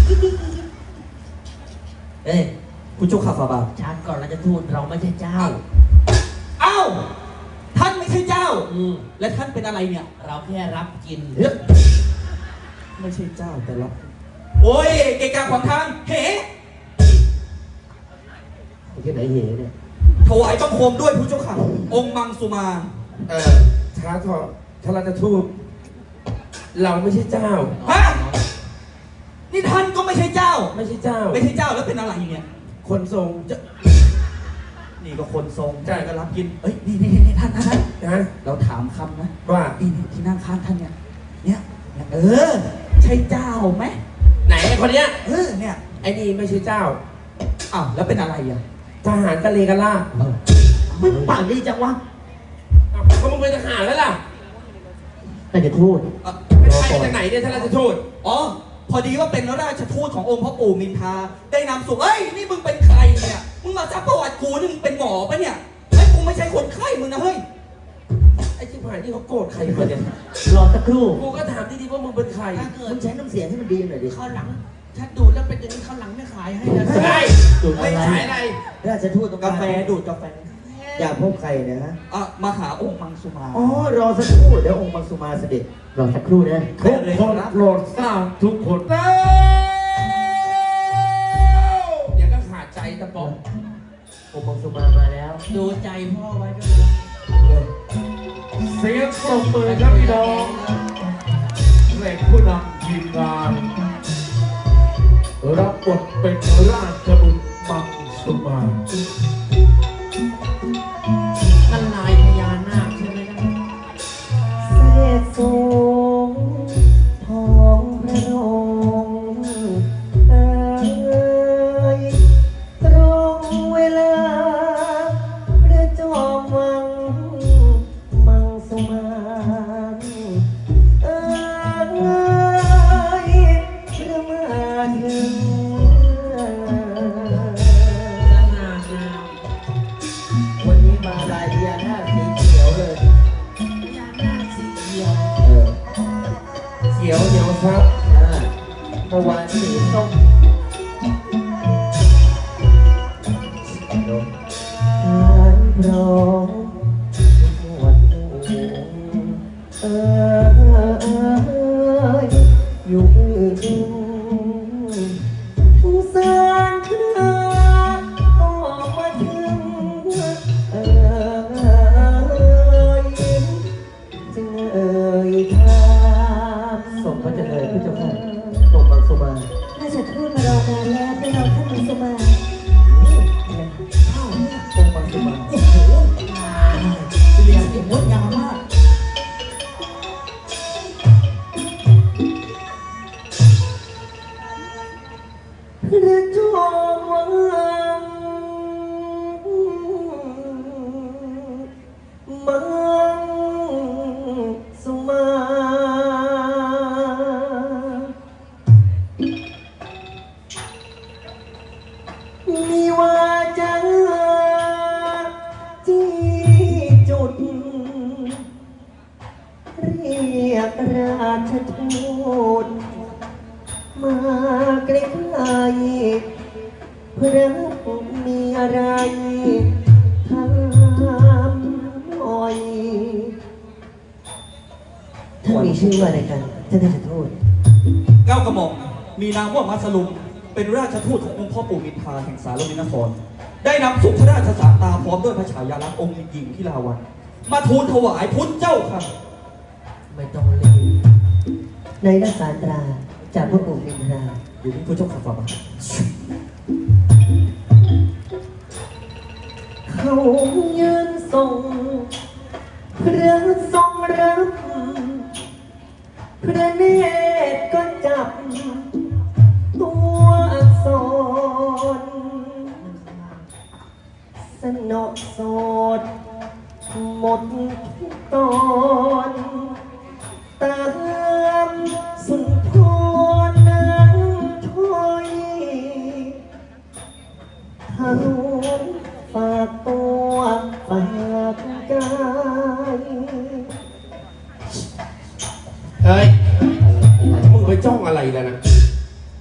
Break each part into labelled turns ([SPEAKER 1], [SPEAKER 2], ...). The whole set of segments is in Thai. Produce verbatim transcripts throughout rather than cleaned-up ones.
[SPEAKER 1] เอ้ยผู้เจ้าข้าฝ่าบาท
[SPEAKER 2] ชาติก่อนเราจะทูตเราไม่ใช่เจ้า
[SPEAKER 1] อ้าวท่านไม่ใช่เจ้า
[SPEAKER 2] อืม
[SPEAKER 1] และท่านเป็นอะไรเนี่ย
[SPEAKER 2] เราแค่รับกิน
[SPEAKER 1] ไม่ใช่เจ้าแต่รับโอ้ยเกะกะขวางทางเห
[SPEAKER 2] ที่ไหนเหเนี่ย
[SPEAKER 1] ถวายบังคมด้วยผู้เจ้าข้าองค์มังสุมา
[SPEAKER 3] เออช้าเถอะถ้าเราจะทูบเราไม่ใช่เจ้า
[SPEAKER 1] ฮะนี่ท่านก็ไม่ใช่เจ้า
[SPEAKER 3] ไม่ใช่เจ้า
[SPEAKER 1] ไม่ใช่เจ้าแล้วเป็นอะไรเนี่ย
[SPEAKER 3] คนทรงจะ
[SPEAKER 1] นี่ก็คนทรง
[SPEAKER 3] ใช่
[SPEAKER 1] ก็รับกินเอ้ยนี่นี่นี่ท่านท่าน
[SPEAKER 3] นะ
[SPEAKER 1] เราถามคำนะ
[SPEAKER 3] ว่า
[SPEAKER 1] อีนี่ที่นั่งข้างท่านเนี่ยเนี่ยเออใช่เจ้าไหม
[SPEAKER 3] ไหนไอ้คนเนี้ย
[SPEAKER 1] เออเนี่ย
[SPEAKER 3] ไอ้นี่ไม่ใช่เจ้า
[SPEAKER 1] อ้าวแล้วเป็นอะไรอ่ะ
[SPEAKER 3] ทหารกะเลกะล่า
[SPEAKER 2] มึงปากดีจังวะ
[SPEAKER 3] ก็มึงเป็นทหารแล้วล่ะ
[SPEAKER 2] แต่จะทูต
[SPEAKER 3] ไม่ใช่จากไหนเนี่ยท่านราชทูต
[SPEAKER 1] อ๋อพอดีว่าเป็นราชทูตขององค์พระปู่มินทาได้นำสุขเอ้ยนี่มึงเป็นใครเนี่ยมึงมาซักประวัติกูนี่มึงเป็นหมอปะเนี่ยไอ้กูไม่ใช่คนไข้มึงนะเฮ้ย
[SPEAKER 3] ไอ้ชิบหายนี่เขาโกรธใครมาเนี่ย
[SPEAKER 2] รอสักครู่
[SPEAKER 3] กูก็ถามดีๆว่ามึงเป็นใคร
[SPEAKER 2] มึงใช้น้ำเสียงให้มันดีหน่อยดิ
[SPEAKER 4] ข้าวหลังถ้าดูดแล้วเป็นอย่างนี้ข้าวหลังไม่ขายให้นะ
[SPEAKER 3] ใช่
[SPEAKER 2] ดูด
[SPEAKER 3] ไม่ขายอะไร
[SPEAKER 2] ราชทูต
[SPEAKER 1] กาแฟดูดกาแฟ
[SPEAKER 2] อยากพบใครนะฮะ
[SPEAKER 1] อ่ะมาหาองค์มังสุมา
[SPEAKER 2] อ๋อรอสักครู่เดี๋ยวองค์มังสุมาเสด็จรอสักครู่นะ
[SPEAKER 3] ทุกคนโปรดทราบทุกคนเดี๋ยวก็ขาดใจตะปอง
[SPEAKER 2] องค์มังสุมามาแล้ว
[SPEAKER 4] ดูใจพ่อไว้ด้วยนะ
[SPEAKER 3] เสียงปรบมือครับพี่น้องแหล่งผู้นำทีมงานรับบทเป็นราชบุตรมังสุมา
[SPEAKER 4] นั่นลายพญานาคใช่ไหมนะ
[SPEAKER 2] เสด็จสูงทองพระโรงเอ่ยตรงเวลาพระจอมวังมังสุมาเอ่ยพระมาถึงวันนี้มาลายพญานาคสีเขียวเลย
[SPEAKER 4] พญานาคสีเขียว
[SPEAKER 2] เออ
[SPEAKER 3] เขียวเหนียวซับ
[SPEAKER 2] เมื่อวานสีส้มทานพร้อมหมวดหมู่เอ่ยอยู่อื่นสงสารเธอออกมาถึงเอ่ยจึงเอ่ยถามสมพระเจริญพระเจ้าค่ะตกบังสุมา
[SPEAKER 5] ราชทูตมารอนานแล้วไปรอท่านมังสุมา
[SPEAKER 1] อ้าวองค์มังสุมาโอ้โหเสียงเสียงงดงามมาก
[SPEAKER 2] พระจอมวังมังสุมามีว่าจะจี้จุดเรียกราชทูตมาใกล้ๆพระมีอะไรถามหน่อยท่านมีชื่อว่าอะไรกันท่านราชทูต
[SPEAKER 1] เก้ากระหม่อมมีนามว่ามัสลุมเป็นราชทูตขององค์พ่อปู่มินทาแห่งสารวินนครได้นำสุขพระราชสารตาพร้อมด้วยพระฉายาลักษณ์องค์หญิงที่ลาวันมาทูลถวายพุทธเจ้าค่ะ
[SPEAKER 2] ไม่ต้องเล่นในรักษาตราจากพระปู่มินทรา
[SPEAKER 1] อยู่ที่พระเจ้าข้าฝ่าบาท
[SPEAKER 2] เขายืนทรงพระทรงรับพระเนตรก็จับตัวอักษรสนอโสดหมดทุกตอนตามสุนทรนั้นถ้อยทะลุฝากตัวฝากกาย
[SPEAKER 3] เฮ้ยมึงไปจ้องอะไรแล้วนะ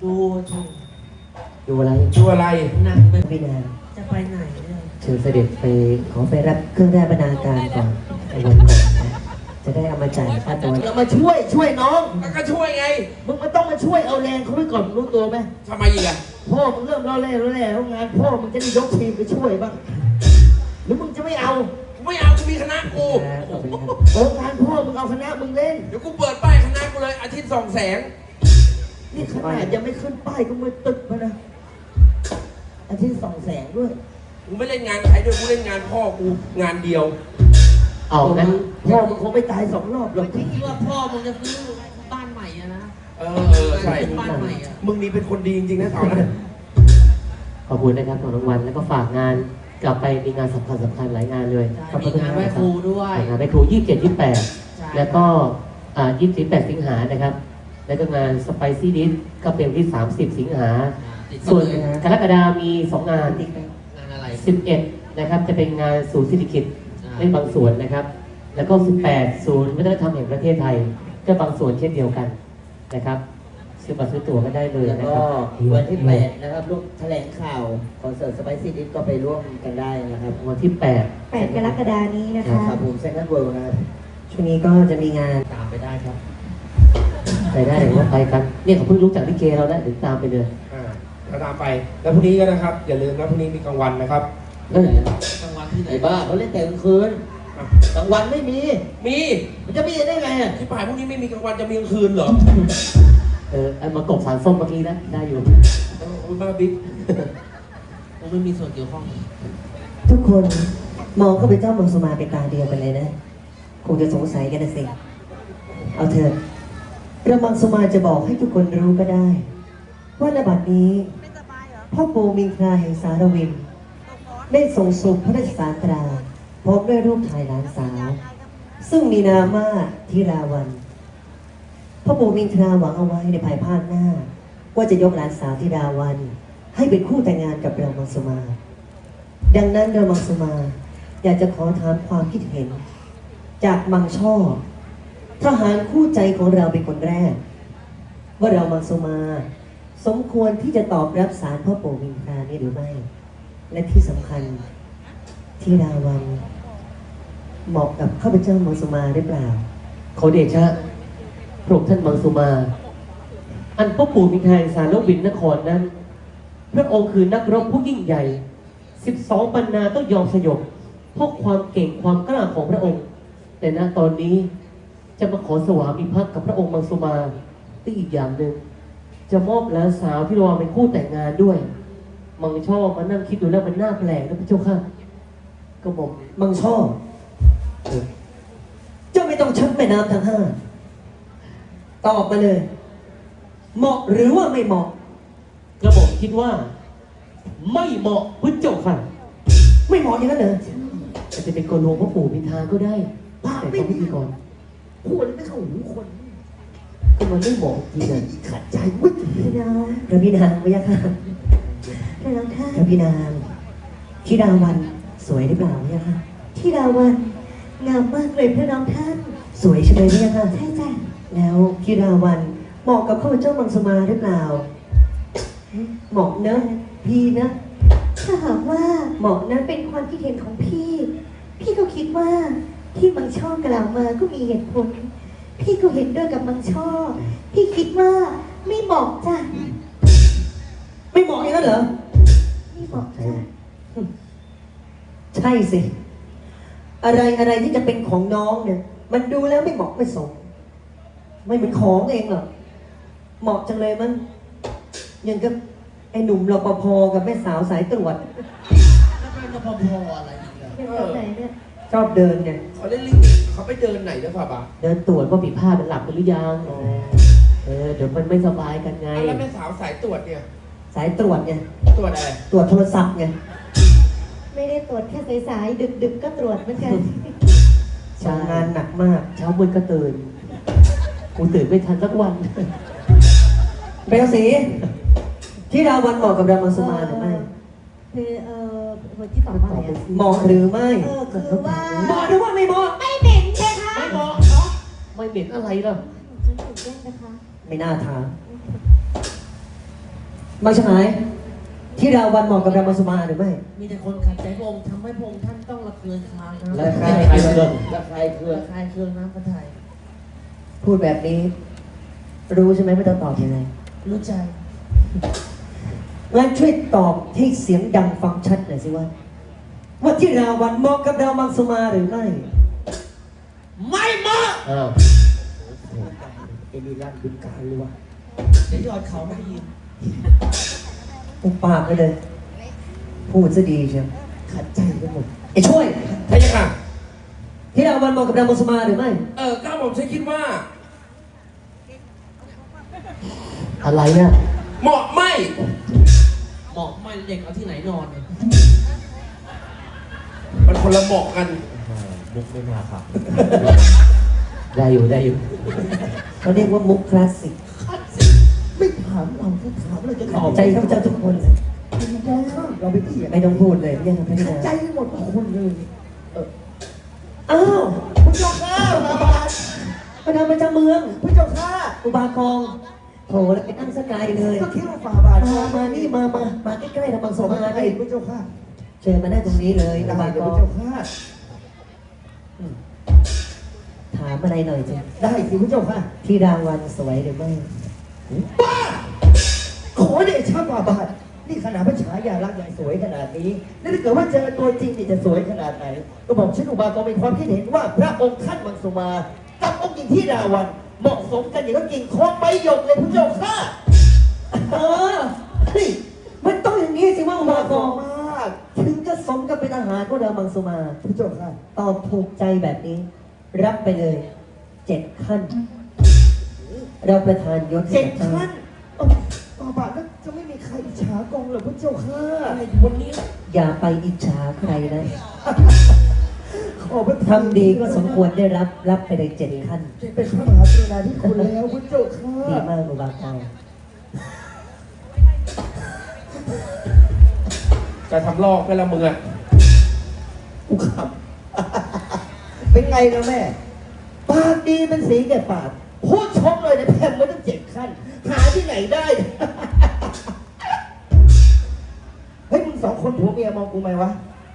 [SPEAKER 4] ดูสิ
[SPEAKER 2] ดูอะไร
[SPEAKER 3] ดูอะไร
[SPEAKER 4] นั่งไป
[SPEAKER 2] พี่นาง
[SPEAKER 4] จะไปไหนเนี่ย
[SPEAKER 2] เชิญเสด็จไปขอไปรับเครื่องราชบรรณาการก่อนไอ้วันก่อนนะจะได้เอามาจ่ายค่าตัวเรามาช่วยช่วยน้อง
[SPEAKER 3] ก็ช่วยไง
[SPEAKER 2] มึงมันต้องมาช่วยเอาแรงเขาไว้ก่อนรู้ตัวไหม
[SPEAKER 3] ทำไมอีกอะ
[SPEAKER 2] พ่อมึงเริ่มรอแร่รอแร่แล้วงานพ่อมึงจะได้ยกทีมไปช่วยบ้างหรือมึงจะไม่เอา
[SPEAKER 3] กูไม่เอากูมีคณะกู
[SPEAKER 2] โอ้งานพ่อมึงเอาคณะมึงเล่น
[SPEAKER 3] เดี๋ยวกูเปิดป้ายคณะกูเลยอาทิตย์สองแสง
[SPEAKER 2] นี่ขนาดยังไม่ขึ้นป้ายก็มือตึกมานะอาทิตย์สองแสงด้วย
[SPEAKER 3] กูไม่เล่นงานใครด้วยกูเล่นงานพ่อกูงานเดียว
[SPEAKER 2] เอางั้นพ่อมึงคงไม่ตายสองรอบหรอก
[SPEAKER 4] คิดว่าพ่อมึงจะซื้อบ้านใหม่อะนะ
[SPEAKER 3] เออเออใช่
[SPEAKER 4] บ้านใหม่อะ
[SPEAKER 3] มึงนี่เป็นคนดีจริงๆนะสาวนะ
[SPEAKER 2] ขอบคุณนะครับของรางวัลแล้วก็ฝากงานกลับไปมีงานสำคัญสำคัญหลายงานเลย
[SPEAKER 4] ใช่มีงานไหว้ครูด้วย
[SPEAKER 2] งานไหว้ครูยี่สิบเจ็ดยี่สิบแปด
[SPEAKER 4] ใช่
[SPEAKER 2] แล้วก็อ่ายี่สิบแปดสิงหานะครับ แล้วก็งานสไปซี่ดิสก็เป็นวันที่สามสิบสิงหา
[SPEAKER 4] ติด
[SPEAKER 2] ส่วน
[SPEAKER 4] เลย
[SPEAKER 2] กรกฎามีสองงาน
[SPEAKER 4] งานอะไร
[SPEAKER 2] สิบเอ็ดนะครับจะเป็นงานศูนย์เศรษฐกิจ
[SPEAKER 4] อ่า
[SPEAKER 2] เล่นบางส่วนนะครับ แล้วก็สิบแปดศูนย์วัฒนธรรมแห่งประเทศไทยก็บางส่วนเช่นเดียวกันนะครับซื้อบัตรซื้อตั๋วก็ได้เลย
[SPEAKER 6] แล้ว
[SPEAKER 2] นะ
[SPEAKER 6] ก็
[SPEAKER 2] ครับ
[SPEAKER 6] วันที่แปดนะครับร่วมแถลงข่าวคอนเสิร์ตสไปซี่ดิสก็ไปร่วมกันได้นะครับ
[SPEAKER 2] วันที่แปด
[SPEAKER 5] แปดกรกฎานี้นะคะ
[SPEAKER 6] ครับผมเซนต์เวิลด์นะครับ
[SPEAKER 2] ช่วงนี้ก็จะมีงาน
[SPEAKER 4] ตามไปได้ครับ
[SPEAKER 2] ไปได้หรือว่าไปกันเนี่ยเขาเพิ่งรู้จักลิเกเราแล้วเดี๋ยวตามไปเลย
[SPEAKER 3] อ่าเราตามไปแล้วพรุ่งนี้ก็นะครับ อย่าลืมนะพรุ่งนี้มีกลางวันนะครับ
[SPEAKER 2] เออก
[SPEAKER 4] ลางวันที่ไหน
[SPEAKER 6] ไอ้บ้าเขาเล่นแต่กลางคืน
[SPEAKER 3] อ่ะ
[SPEAKER 6] กลางวันไม่มี
[SPEAKER 3] มี
[SPEAKER 6] มันจะมีได้ไงอ่ะ
[SPEAKER 3] ที่ป่ายพรุ่งนี้ไม่มีกลางวันจะมีกลางคืนเหรอ
[SPEAKER 2] เออเอามากบสารส้มเมื่อกี้นะได้อยู่
[SPEAKER 3] เออบ้าบิ๊ก
[SPEAKER 4] ผมไม่มีส่วนเกี่ยวข้อง
[SPEAKER 2] ทุกคนมองเข้าไปเจ้าเมืองสุมาเป็นตาเดียวกันเลยนะคงจะสงสัยกันนะสิเอาเถอะเรามังสุมาจะบอกให้ทุกคนรู้ก็ได้ ว่าณบัดนี้พ่อปู่มิงคราแห่งสารวิน ได้ทรงสุขพระราชสารตราพร้อมด้วยรูปถ่ายหลานสาว ซึ่งมีนามว่าธิราวันพ่อปู่มิงคราหวังเอาไว้ในภายภาคหน้า ว่าจะยกหลานสาวธิราวัน ให้เป็นคู่แต่งงานกับเรามังสุมา ดังนั้นเรามังสุมา อยากจะขอถามความคิดเห็น จากมังช่อทหารคู่ใจของเราเป็นคนแรก ว่าเรามังสุมา สมควรที่จะตอบรับสารพ่อปู่มิงครานี้หรือไม่ และที่สำคัญที่ราวันเหมาะกับข้าพเจ้ามังสุมาหรือเปล่าขอเดชะพระองค์ท่านมังสุมา อันพ่อปู่มิงคราแห่งสารวินนครนั้น พระองค์คือนักรบผู้ยิ่งใหญ่ สิบสองปันนาต้องยอมสยบเพราะความเก่งความกล้าของพระองค์ แต่ณตอนนี้จะมาขอสวามิภักดิ์กับพระองค์มังสุมาที่อีกอย่างหนึ่งจะมอบหลานสาวที่รอเป็นคู่แต่งงานด้วย มังชอบมานั่งคิดดูแล้วมันน่าแปลกนะพระเจ้าค่ะก็บอกมังชอบเออเจ้าไม่ต้องชักแม่น้ำทั้งห้าตอบมาเลย เหมาะหรือว่าไม่เหมาะกระบอกคิดว่า ไม่เหมาะพุทธเจ้าค่ะ ไม่เหมาะอย่างนั้นเหรออาจจะเป็นกลวงพ่อปู่มินทาก็ได้แต่เขาพิธีกร
[SPEAKER 6] พูดไม่เข้าหูคน
[SPEAKER 2] ก็มันไม่เหมาะจริงอ่ะ
[SPEAKER 6] ขัดใจวุ้ย
[SPEAKER 5] พี่น้อง
[SPEAKER 2] พระพี่นางพระยาค่ะ
[SPEAKER 5] พี่น้องท่าน
[SPEAKER 2] พระพี่นางธิดาวันสวยหรือเปล่าพระยาค่ะ
[SPEAKER 5] ที่ดาวันงามมากเลยพี่น้องท่าน
[SPEAKER 2] สวยใช่ไหมพระยาค่ะ
[SPEAKER 5] ใช่จ้ะ
[SPEAKER 2] แล้วธิดาวันเหมาะกับข้าพเจ้ามังสมาหรือเปล่าเหมาะเนอะพี่นะ
[SPEAKER 5] ถ้าหากว่าเหมาะนั้นเป็นความคิดเห็นของพี่ พี่ก็คิดว่าที่บางช่อกล่าวมาก็มีเหตุผล พี่ก็เห็นด้วยกับมังช่อ พี่คิดว่าไม่เหมาะจ้ะ
[SPEAKER 2] ไม่เหมาะอย่างนั้นเหรอ
[SPEAKER 5] ไม่เหมาะจ้ะ
[SPEAKER 2] ใช่สิ อะไรอะไรที่จะเป็นของน้องเนี่ย มันดูแล้วไม่เหมาะไม่สม ไม่เหมือนของเองหรอกเหมาะจังเลยมั้งอย่างกับไอ้หนุ่มรปภกับแม่สาวสายตรวจ
[SPEAKER 4] แล้วเป็นรปภอะไรอีกอะ
[SPEAKER 5] เป็นแบบไหนเนี่ย
[SPEAKER 2] ชอบเดินเนี่ย
[SPEAKER 3] เขาเล่นลิงเขาไปเดินไหนนะพ่อปะ
[SPEAKER 2] เดินตรวจว่าผิดพลาดมันหลับกันหรือยังเออเดี๋ยวมันไม่สบายกันไง
[SPEAKER 3] อ่ะแล้วแม่สาวสายตรวจเนี่ย
[SPEAKER 2] สายตรวจไง
[SPEAKER 3] ตรวจอะไร
[SPEAKER 2] ตรวจโทรศัพท์ไง
[SPEAKER 5] ไม่ได้ตรวจแค่สายๆดึกๆก็ตรวจเหมือนกัน
[SPEAKER 2] ทำงานหนักมาก เช้ามืดก็ตื่นกูตื่นไม่ทันสักวันเบลสีที่ราวันเหมาะกับรามาสมาหรือไม่
[SPEAKER 5] คือเอ่อคนที่ตอบว่าอะไรอะ
[SPEAKER 2] เหมาะหรือไม่
[SPEAKER 5] เออคือว่า
[SPEAKER 2] เหมาะหรือว่าไม่เหมาะ
[SPEAKER 5] ไม่เหม็นใช่คะ
[SPEAKER 2] ไม่เหมาะเนาะไม่เหม็นอะไรหรอก
[SPEAKER 5] ฉันตื่นเต้นนะคะ
[SPEAKER 2] ไม่น่าถามมาชายที่ราวันเหมาะกับรามาสุมาหรือไม่
[SPEAKER 4] มีแต่คนขัดใจพระองค์ทำให้พระองค์ท่านต้องระเคืองคลางนะ
[SPEAKER 2] ระคายเคือง
[SPEAKER 6] ระคายเคือง
[SPEAKER 4] ระคายเคืองน้ำพระทัย
[SPEAKER 2] พูดแบบนี้ รู้ใช่ไหมไม่ต้องตอบยังไง
[SPEAKER 4] รู้ใจ
[SPEAKER 2] งั้นช่วยตอบให้เสียงดังฟังชัดหน่อยสิว่าว่าที่ราวันเหมาะกับรามังสุมาหรือไม่
[SPEAKER 4] ไม่เหมาะ
[SPEAKER 6] อ้าวเอมิลันบึงการเลยวะ
[SPEAKER 4] เดี๋ยวยอดเขาไม่ได้ยิน
[SPEAKER 2] อุปากไปเลย พูดซะดีเชียว
[SPEAKER 6] ขัดใจไปหมด
[SPEAKER 2] ไอ้ช่วย
[SPEAKER 3] ใช่ยังค่ะ
[SPEAKER 2] ที่ราวันเหมาะกับรามังสุมาหรือไม่
[SPEAKER 3] เออก้าวผมใช้คิดว่า
[SPEAKER 2] อะไรเนี่ย
[SPEAKER 3] เหมาะไม่
[SPEAKER 4] เหมาะไม่เด็กเอาที่ไหนนอนเนี่ย
[SPEAKER 3] มันคนละเหมาะกัน
[SPEAKER 6] มุกไม่น่าครับ ได้อยู่ได้อยู่
[SPEAKER 2] เขาเรียกว่ามุกคลาสสิก
[SPEAKER 6] ไม่ถามเราถ้าถามเราจะ
[SPEAKER 2] ขอบใจข้าพเจ้าทุกคน
[SPEAKER 6] เราไปเถียง
[SPEAKER 2] ไม่ต้องพูดเลยไม่ยังไม่ได้
[SPEAKER 6] ขัดใจหมดทุกคนเลยเออ
[SPEAKER 2] อ้าว
[SPEAKER 6] พระเจ้าข้ามาบาท
[SPEAKER 2] มาทำประจำเมือง
[SPEAKER 6] พระเจ้าข้า
[SPEAKER 2] อุบากองโถแล้วไปนั่งสกายเลย
[SPEAKER 6] ก็คิดว่าฝ่าบาท
[SPEAKER 2] มามานี่มามามาใกล้ๆรามัง
[SPEAKER 6] ส
[SPEAKER 2] สุ
[SPEAKER 6] ม
[SPEAKER 2] มา
[SPEAKER 6] มา
[SPEAKER 2] ได้
[SPEAKER 6] ให้พระเจ้าข้า
[SPEAKER 2] เชิญมาได้ตรงนี้เลยอุ
[SPEAKER 6] ได้
[SPEAKER 2] บา
[SPEAKER 6] เดี๋ย
[SPEAKER 2] ก
[SPEAKER 6] ว
[SPEAKER 2] อ
[SPEAKER 6] พ
[SPEAKER 2] ง
[SPEAKER 6] ระเจ้าข้า
[SPEAKER 2] ถามอะไรหน่อยจ้ะ
[SPEAKER 6] ได้สิพระเจ้าข้า
[SPEAKER 2] ที่รางวัลสวยหรือไม่
[SPEAKER 6] บ้าขอเดชะฝ่าบาทนี่ขนาดพระฉายาลักษณ์ยังสวยขนาดนี้แล้วถ้าเกิดว่าเจอตัวจริงนี่จะสวยขนาดไหนก็บอกฉันอุบากรมีความคิดเห็นว่าพระองค์ท่านมังสุมากับองค์หญิงที่ราวันเหมาะสมกันอย่างก็กิ่งคองใบหยกเลยพระเจ้าข้า
[SPEAKER 2] เออเฮ้ยมันต้องอย่างนี้สิว่าอุ
[SPEAKER 6] เหมาะ
[SPEAKER 2] บา
[SPEAKER 6] ส
[SPEAKER 2] กอ
[SPEAKER 6] ม
[SPEAKER 2] ง
[SPEAKER 6] มาก
[SPEAKER 2] ถึงจะสมกับเป็นอาหารของรามังสุมา
[SPEAKER 6] พระเจ้าข้า
[SPEAKER 2] ตอบถูกใจแบบนี้ รับไปเลยเจ็ดขั้น เราประทานยศให้
[SPEAKER 6] เจ็ด
[SPEAKER 2] กับ
[SPEAKER 6] ขั้นเอ้าฝ่าบาทแล้วจะไม่มีใครอิจฉากองเหรอพระเจ้าข้า
[SPEAKER 3] วันนี้
[SPEAKER 2] อย่าไปอิจฉาใครนะ
[SPEAKER 6] ขอพระ
[SPEAKER 2] ทำดีก็สมควรได้รับ รับไปเลยเจ็ดขั้น
[SPEAKER 6] เป็นพระมหากรุณาธิคุณแล้วพระเจ้าข้า
[SPEAKER 2] ดีมากอุบากอง
[SPEAKER 3] จะทำลอกไปละมึงอ่ะ
[SPEAKER 6] กูขำเป็นไงนะแม่ ปากดีเป็นสีแก่ปากพูดชมเลยนะแพมมาตั้งเจ็ดขั้น หาที่ไหนได้ เฮ้ยมึงสองคนผัวเมียมองกูไหมวะ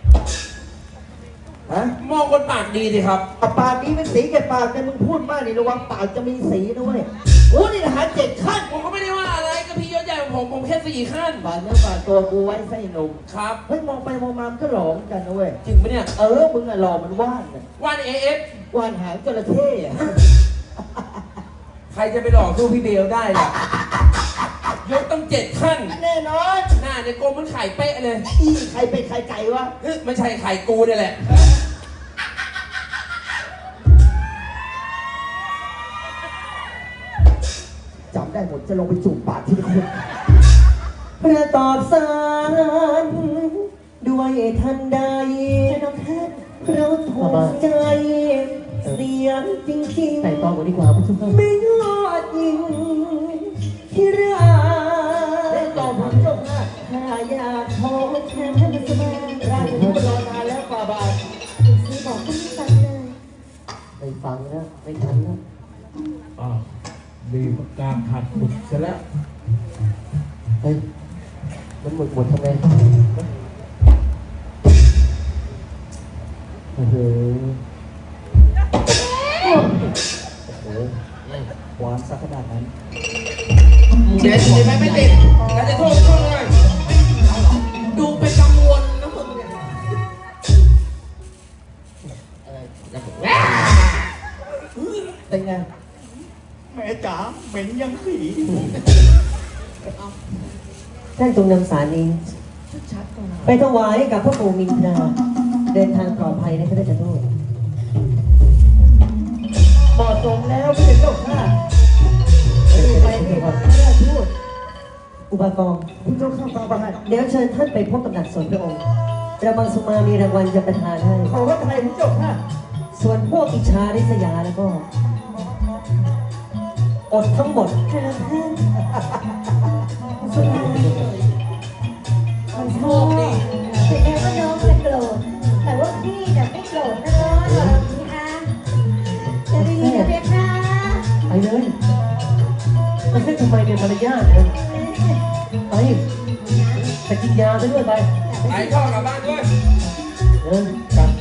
[SPEAKER 6] ฮะ
[SPEAKER 3] มองคนปากดีสิครับ
[SPEAKER 6] อ่ะปากดีเป็นสีแก่ปากแต่มึงพูดมากนี่ระวังปากจะมีสีนะเว้ยโอ้นี่นะหาเจ็ดขั้น
[SPEAKER 3] ผมก็ไม่ได้ว่าอะไรก็พี่ยศใหญ่ของผมผมแค่สี่ขั้น
[SPEAKER 6] ปากเนื้อปากตัวกูไว้ไส้หนุ่ม
[SPEAKER 3] ครับ
[SPEAKER 6] เฮ้ยมองไปมองมามันก็หลอมกันนะเว้ย
[SPEAKER 3] จริงปะเนี่ย
[SPEAKER 6] เออ มึงอะหล่อมันว่านน่ะ
[SPEAKER 3] วันเอเอฟ
[SPEAKER 6] ว่านหางจระเข้อะ
[SPEAKER 3] ใครจะไปหลอกสู้พี่เบลได้ล่ะยศต้องเจ็ดขั้น
[SPEAKER 6] แน่นอน
[SPEAKER 3] หน้าเนี่ยโกลมมันไข่เป๊ะเลย
[SPEAKER 6] อีใครเป็นใครไก่วะ
[SPEAKER 3] เฮ้ยไม่ใช่ไข่กูเนี่ยแหละ
[SPEAKER 6] จำได้หมดจะลงไปจูบปากที่คน
[SPEAKER 2] พระตอบสารด้วยทันใด
[SPEAKER 5] น้องท่าน
[SPEAKER 2] เราถูกใจ เสียงจริงๆ
[SPEAKER 6] แต่ตองกว่าดีกว่าผู้ชม
[SPEAKER 2] ไม่ยอดยิงที่รั
[SPEAKER 6] เล่น
[SPEAKER 2] ก
[SPEAKER 6] ต่อผมจบนะ
[SPEAKER 2] ถ้าอยากพบ
[SPEAKER 5] แทนท่านมาสมา
[SPEAKER 6] ราชบุตรรอนานแล้วฝ่าบาท
[SPEAKER 5] ซื้อบอกก็ไม่ฟังเลย
[SPEAKER 2] ไม่ฟังแล้วไม่ทันแล้ว
[SPEAKER 3] อ้าวมีการขัดหมุดซะแล้ว
[SPEAKER 2] เฮ้ยมันหมดหมดทำไมโอ้โห
[SPEAKER 1] หวานสักขนาดนั้น
[SPEAKER 3] เด็ดเด็ดไหมไม่เด็ดแล้วจะโทษโทษเลยดูเป็นกังวลนะมึงเนี่ย
[SPEAKER 6] เป็นไง
[SPEAKER 1] แม่จ๋าเหม็นยังสี
[SPEAKER 2] ท่านจงนำสารนี้
[SPEAKER 4] ชัดๆก่อนนะ
[SPEAKER 2] ไปถวายให้กับพระปู่มินทราเดินทางปลอดภัยนะพระเจ้าโทษ
[SPEAKER 6] เหมาะสมแล้วไม่เป็นเจ้าข้าไปเถอะครับราชทูต
[SPEAKER 2] อุบากอง
[SPEAKER 6] ผู้เจ้าข้าฝ่าบาท
[SPEAKER 2] เดี๋ยวเชิญท่านไปพบกับหนักสนพระองค์ระบังสุมามีรางวัลจะประทานให้
[SPEAKER 6] ขอพระไทยผู้เจ้าข้า
[SPEAKER 2] ส่วนพวกอิจฉาริษยาแล้วก็ อดทั้งหมด
[SPEAKER 5] เจ้าท่านสมา
[SPEAKER 3] โชคดี
[SPEAKER 5] ถึงแม้ว่าน้องจะโกรธแต่ว่าพี่จะไม่โกรธนะน้องหรอกนะคะจะได้ยินไหมคะ
[SPEAKER 2] ไปเลยมันแค่ทำไมเป็นมารยาทนะไปไปกินยาซะด้วยไป
[SPEAKER 1] ไอ้พ่อกลับบ้านด้วย
[SPEAKER 2] เออกลับ